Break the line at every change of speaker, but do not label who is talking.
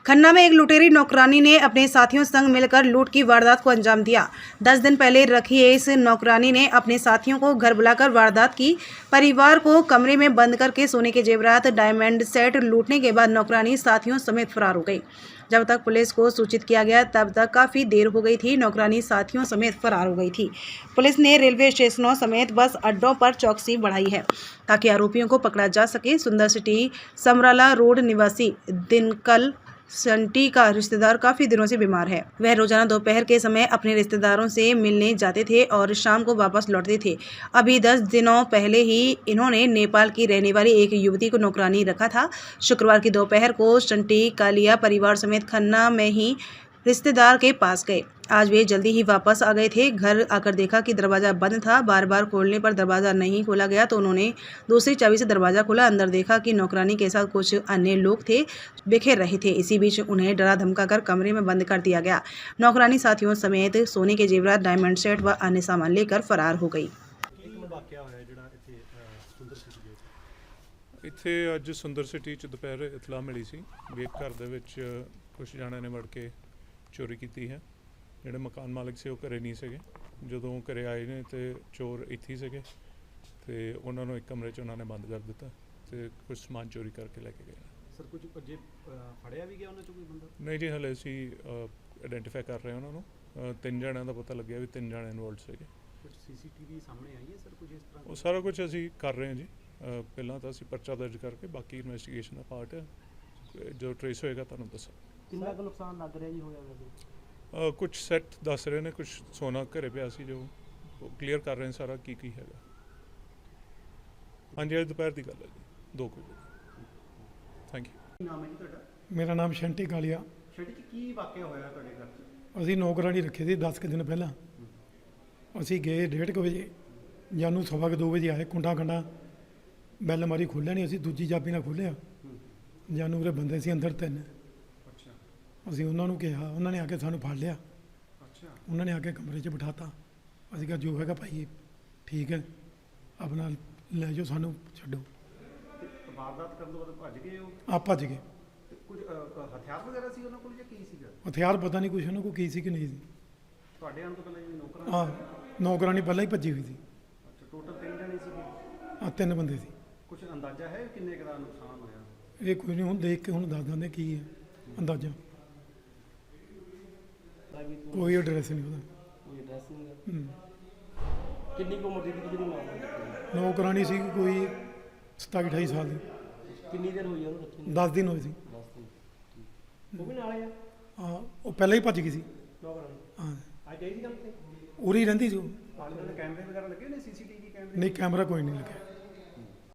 खन्ना में एक लुटेरी नौकरानी ने अपने साथियों संग मिलकर लूट की वारदात को अंजाम दिया। 10 दिन पहले रखी इस नौकरानी ने अपने साथियों को घर बुलाकर वारदात की। परिवार को कमरे में बंद करके सोने के जेवरात, डायमंड सेट लूटने के बाद नौकरानी साथियों समेत फरार हो गई। जब तक पुलिस को सूचित किया गया तब तक काफ़ी देर हो गई थी। नौकरानी साथियों समेत फरार हो गई थी। पुलिस ने रेलवे स्टेशनों समेत बस अड्डों पर चौकसी बढ़ाई है ताकि आरोपियों को पकड़ा जा सके। सुंदर सिटी समराला रोड निवासी दिनकल संटी का रिश्तेदार काफ़ी दिनों से बीमार है। वह रोजाना दोपहर के समय अपने रिश्तेदारों से मिलने जाते थे और शाम को वापस लौटते थे। अभी 10 दिनों पहले ही इन्होंने नेपाल की रहने वाली एक युवती को नौकरानी रखा था। शुक्रवार की दोपहर को संटी कालिया परिवार समेत खन्ना में ही रिश्तेदार के पास गए। आज वे जल्दी ही वापस आ गए थे। घर आकर देखा कि दरवाज़ा बंद था। बार बार खोलने पर दरवाज़ा नहीं खोला गया तो उन्होंने दूसरी चाबी से दरवाज़ा खोला। अंदर देखा कि नौकरानी के साथ कुछ अन्य लोग थे, बिखेर रहे थे। इसी बीच उन्हें डरा धमकाकर कमरे में बंद कर दिया गया। नौकरानी साथियों समेत सोने के जेवरात, डायमंड सेट व अन्य सामान लेकर फरार हो गई।
ਇੱਥੇ ਅੱਜ ਸੁੰਦਰ ਸਿਟੀ 'ਚ ਦੁਪਹਿਰ ਇਤਲਾਹ ਮਿਲੀ ਸੀ ਵੀ ਇੱਕ ਘਰ ਦੇ ਵਿੱਚ ਕੁਝ ਜਣਿਆਂ ਨੇ ਵੜ ਕੇ ਚੋਰੀ ਕੀਤੀ ਹੈ। ਜਿਹੜੇ ਮਕਾਨ ਮਾਲਕ ਸੀ ਉਹ ਘਰੇ ਨਹੀਂ ਸੀਗੇ। ਜਦੋਂ ਘਰੇ ਆਏ ਨੇ ਤੇ ਚੋਰ ਇੱਥੇ ਹੀ ਸੀਗੇ ਤੇ ਉਹਨਾਂ ਨੂੰ ਇੱਕ ਕਮਰੇ 'ਚ ਉਹਨਾਂ ਨੇ ਬੰਦ ਕਰ ਦਿੱਤਾ ਤੇ ਕੁਝ ਸਮਾਨ ਚੋਰੀ ਕਰਕੇ ਲੈ ਕੇ ਗਏ।
ਸਰ ਕੁਝ ਭੱਜੇ ਫੜਿਆ ਵੀ ਗਿਆ ਉਹਨਾਂ 'ਚੋਂ ਕੋਈ ਬੰਦਾ?
ਨਹੀਂ ਜੀ, ਹਲੇ ਅਸੀਂ ਆਇਡੈਂਟੀਫਾਈ ਕਰ ਰਹੇ ਹਾਂ ਉਹਨਾਂ ਨੂੰ। 3 ਜਣਿਆਂ ਦਾ ਪਤਾ ਲੱਗਿਆ ਵੀ 3 ਜਣੇ ਇਨਵੋਲਡ ਸੀਗੇ।
ਕੁਝ ਸੀਸੀਟੀਵੀ ਸਾਹਮਣੇ ਆਈ ਹੈ ਸਰ ਕੁਝ ਇਸ ਤਰ੍ਹਾਂ?
ਉਹ ਸਾਰਾ ਕੁਝ ਅਸੀਂ ਕਰ ਰਹੇ ਹਾਂ ਜੀ। ਪਹਿਲਾਂ ਤਾਂ ਅਸੀਂ ਪਰਚਾ ਦਰਜ ਕਰਕੇ ਬਾਕੀ ਇਨਵੈਸਟੀਗੇਸ਼ਨ ਦਾ ਪਾਰਟ ਜੋ ਟਰੇਸ ਹੋਏਗਾ ਤੁਹਾਨੂੰ ਦੱਸਾਂ।
ਕਿੰਨਾ ਕੁ ਨੁਕਸਾਨ ਲੱਗ ਰਿਹਾ ਜੀ ਹੋਇਆ ਵੈਸੇ?
ਕੁਝ ਸੈੱਟ ਦੱਸ ਰਹੇ ਨੇ, ਕੁਝ ਸੋਨਾ ਘਰੇ ਪਿਆ ਸੀ ਜੋ ਕਲੀਅਰ ਕਰ ਰਹੇ ਨੇ ਸਾਰਾ ਕੀ ਹੈਗਾ। ਹਾਂਜੀ, ਅੱਜ ਦੁਪਹਿਰ ਦੀ ਗੱਲ ਹੈ ਜੀ, 2 ਵਜੇ। Thank you.
ਕੀ ਨਾਮ ਹੈ ਜੀ ਤੁਹਾਡਾ?
ਮੇਰਾ ਨਾਮ ਸ਼ੰਟੀ ਕਾਲੀਆ।
ਸ਼ੈਟੀ ਜੀ, ਕੀ ਵਾਕਿਆ ਹੋਇਆ ਤੁਹਾਡੇ ਘਰ 'ਚ?
ਅਸੀਂ ਨੌਕਰਾਨੀ ਰੱਖੀ ਸੀ 10 ਕੁ ਦਿਨ ਪਹਿਲਾਂ। ਅਸੀਂ ਗਏ 1:30 ਵਜੇ, ਜਾਨੂੰ 2:15 ਵਜੇ ਆਏ। ਕੁੰਡਾ ਕੰਡਾ ਬੈਲ ਮਾਰੀ, ਖੋਲ੍ਹਿਆ ਨਹੀਂ। ਅਸੀਂ ਦੂਜੀ ਚਾਬੀ ਨਾਲ ਖੋਲ੍ਹਿਆ। ਜਾਨੂੰ ਉਰੇ ਬੰਦੇ ਸੀ ਅੰਦਰ 3।
ਅੱਛਾ।
ਅਸੀਂ ਉਹਨਾਂ ਨੂੰ ਕਿਹਾ, ਉਹਨਾਂ ਨੇ ਆ ਕੇ ਸਾਨੂੰ ਫੜ ਲਿਆ।
ਅੱਛਾ।
ਉਹਨਾਂ ਨੇ ਆ ਕੇ ਕਮਰੇ 'ਚ ਬਿਠਾਤਾ। ਅਸੀਂ ਕਿਹਾ ਜੋ ਹੈਗਾ ਭਾਈ ਠੀਕ ਹੈ, ਆਪਣਾ ਲੈ ਜਾਓ, ਸਾਨੂੰ ਛੱਡੋ।
ਤੇ ਵਾਰਦਾਤ ਕਰਨ ਤੋਂ ਬਾਅਦ ਭੱਜ ਗਏ ਉਹ?
ਆਪ ਭੱਜ ਗਏ।
ਤੇ ਕੁਝ ਹਥਿਆਰ ਵਗੈਰਾ ਸੀ ਉਹਨਾਂ ਕੋਲ ਜਾਂ ਕੀ ਸੀਗਾ?
ਹਥਿਆਰ ਪਤਾ ਨਹੀਂ ਕੁਛ ਉਹਨਾਂ ਕੋਲ ਕੀ ਸੀ ਕਿ ਨਹੀਂ ਸੀ।
ਤੁਹਾਡੇ ਆਉਣ ਤੋਂ ਪਹਿਲਾਂ ਜਿਹੜੀ ਨੌਕਰਾਂ?
ਹਾਂ, ਨੌਕਰਾਨੀ ਪਹਿਲਾਂ ਹੀ ਭੱਜੀ ਹੋਈ ਸੀ।
ਅੱਛਾ, ਟੋਟਲ 3 ਜਣੇ ਸੀਗੇ?
3 ਬੰਦੇ ਸੀ।
ਕੁਝ ਅੰਦਾਜ਼ਾ ਹੈ ਕਿੰਨੇ ਕੁ ਦਾ ਨੁਕਸਾਨ ਹੋਇਆ?
ਇਹ ਕੋਈ ਨਹੀਂ, ਹੁਣ ਦੇਖ ਕੇ ਹੁਣ ਦੱਸ ਦਿੰਦੇ ਕੀ ਹੈ ਅੰਦਾਜ਼ਾ। ਕੋਈ ਐਡਰੈਸ ਨਹੀਂ ਉਹਦਾ।
ਕੋਈ ਐਡਰੈਸ ਨਹੀਂ? ਕਿੰਨੀ ਕੁ ਉਮਰ ਦੀ ਜਿਹੜੀ ਮਾਂ?
ਨੌਕਰਾਨੀ ਸੀ ਕੋਈ 27-28 ਸਾਲ ਦੀ।
ਕਿੰਨੀ ਦੇਰ ਹੋਈ ਉਹਨੂੰ ਰੱਖੀ?
10 ਦਿਨ ਹੋਏ ਸੀ।
10 ਦਿਨ। ਉਹ ਵੀ ਨਾਲ ਆ?
ਹਾਂ, ਉਹ ਪਹਿਲਾਂ ਹੀ ਭੱਜ ਗਈ ਸੀ।
ਨੌਕਰਾਂ?
ਹਾਂ,
ਅੱਜ ਆਈ ਸੀ ਕੰਮ ਤੇ?
ਉਰੀ ਰਹਿੰਦੀ ਸੀ ਉਹ।
ਆਲੇ ਦੁਆਲੇ ਕੈਮਰੇ ਵਗੈਰਾ ਲੱਗੇ ਨੇ, ਸੀਸੀਟੀਵੀ ਕੈਮਰੇ?
ਨਹੀਂ, ਕੈਮਰਾ ਕੋਈ ਨਹੀਂ ਲੱਗਿਆ।